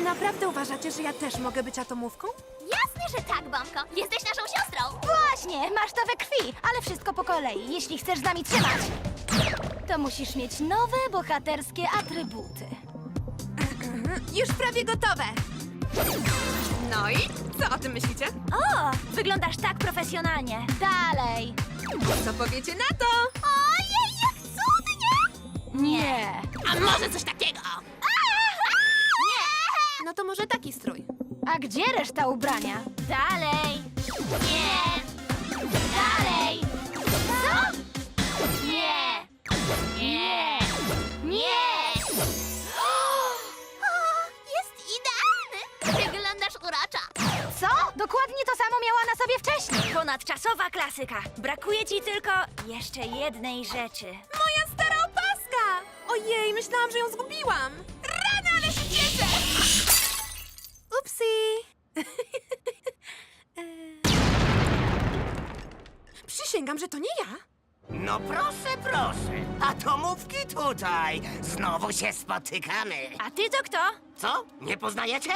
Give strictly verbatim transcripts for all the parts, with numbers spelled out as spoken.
Naprawdę uważacie, że ja też mogę być atomówką? Jasne, że tak, Bombko. Jesteś naszą siostrą. Właśnie, masz to we krwi, ale wszystko po kolei. Jeśli chcesz z nami trzymać, to musisz mieć nowe, bohaterskie atrybuty. Już prawie gotowe. No i co o tym myślicie? O, wyglądasz tak profesjonalnie. Dalej. Co powiecie na to? Ojej, jak cudnie! Nie. A może coś takiego? No to może taki strój. A gdzie reszta ubrania? Dalej. Nie! Dalej. Co? Nie! Nie! Nie! O, jest idealny! Wyglądasz urocza. Co? Dokładnie to samo miała na sobie wcześniej. Ponadczasowa klasyka. Brakuje ci tylko jeszcze jednej rzeczy. Moja stara opaska! Ojej, myślałam, że ją zgubiłam. Rany, ale się cieszę! Upsi! Eee. Przysięgam, że to nie ja. No proszę, proszę. Atomówki tutaj. Znowu się spotykamy. A ty to kto? Co? Nie poznajecie?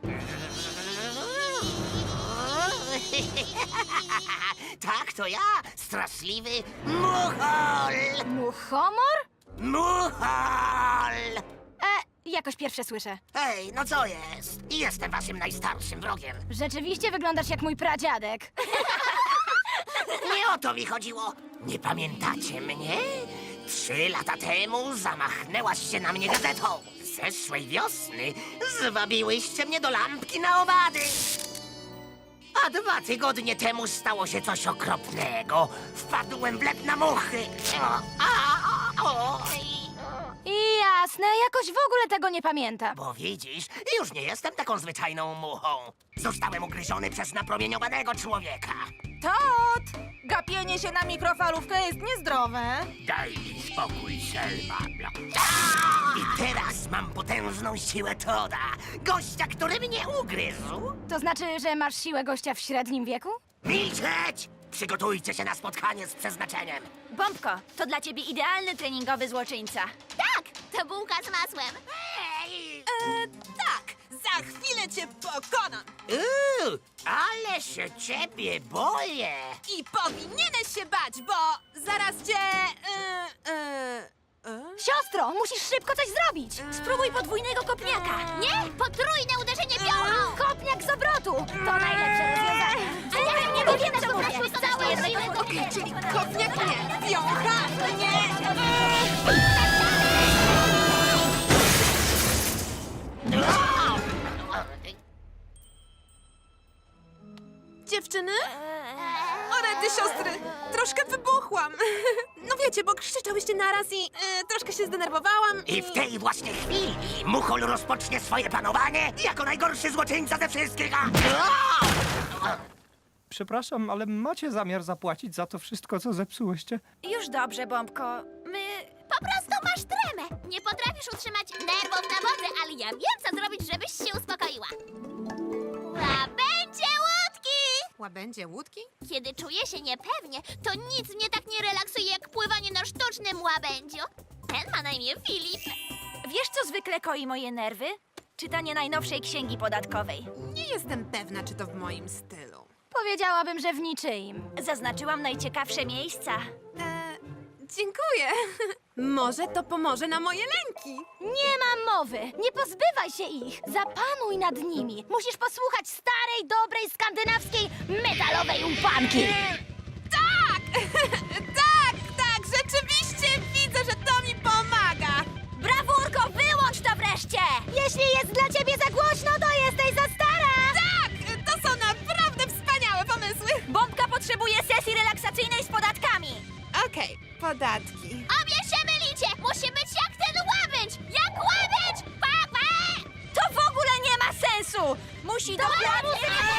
Tak, to ja, straszliwy Muchol. Muchomor? Muchol! E, jakoś pierwsze słyszę. Hej, no co jest? Jestem waszym najstarszym wrogiem. Rzeczywiście wyglądasz jak mój pradziadek. Nie o to mi chodziło. Nie pamiętacie mnie? Trzy lata temu zamachnęłaś się na mnie gazetą. Zeszłej wiosny zwabiłyście mnie do lampki na owady. A dwa tygodnie temu stało się coś okropnego. Wpadłem w lep na muchy. O, a, o, I jasne, jakoś w ogóle tego nie pamiętam. Bo widzisz, już nie jestem taką zwyczajną muchą. Zostałem ugryziony przez napromieniowanego człowieka. Tot! Gapienie się na mikrofalówkę jest niezdrowe. Daj mi spokój, Selma. I teraz mam potężną siłę Toda. Gościa, który mnie ugryzł. To znaczy, że masz siłę gościa w średnim wieku? Milczeć! Przygotujcie się na spotkanie z przeznaczeniem. Bombko, to dla ciebie idealny treningowy złoczyńca. Tak, to bułka z masłem. Ej! E, tak, za chwilę cię pokonam. Uuu, ale się ciebie boję. I powinieneś się bać, bo zaraz cię... E, e, e? Siostro, musisz szybko coś zrobić. Spróbuj podwójnego kopniaka. Nie, potrójne uderzenie piorą. Kopniak z obrotu. To najlepsze rozwiązanie. A ja nie wiem, wiem, co co mówię. mówisz. Całe jednego Okej, czyli kopniak nie, wiącha nie. Dziewczyny? O rety, siostry! Troszkę wybuchłam. No wiecie, bo krzyczałyście naraz i e, troszkę się zdenerwowałam. I w tej właśnie chwili Muchol rozpocznie swoje panowanie jako najgorszy złoczyńca ze wszystkich. A! Przepraszam, ale macie zamiar zapłacić za to wszystko, co zepsułyście? Już dobrze, Bombko. My... Po prostu masz tremę. Nie potrafisz utrzymać nerwów na wodze, ale ja wiem, co zrobić, żebyś się uspokoiła. Łabędzie łódki! Łabędzie łódki? Kiedy czuję się niepewnie, to nic mnie tak nie relaksuje, jak pływanie na sztucznym łabędziu. Ten ma na imię Filip. Wiesz, co zwykle koi moje nerwy? Czytanie najnowszej księgi podatkowej. Nie jestem pewna, czy to w moim stylu. Powiedziałabym, że w niczyim. Zaznaczyłam najciekawsze miejsca. E, dziękuję. Może to pomoże na moje lęki. Nie ma mowy! Nie pozbywaj się ich! Zapanuj nad nimi! Musisz posłuchać starej, dobrej, skandynawskiej, metalowej umpanki! Tak! tak, tak, rzeczywiście widzę, że to mi pomaga. Brawurko, wyłącz to wreszcie! Jeśli jest dla ciebie za głośno, to jesteś za stara! Tak, to są naprawdę wspaniałe pomysły. Bombka potrzebuje sesji relaksacyjnej z podatkami! Okej, podatki. Obie się mylicie! Musi być jak ten łabędź! Jak łabędź! Pa, pa! To w ogóle nie ma sensu! Musi dokładnie...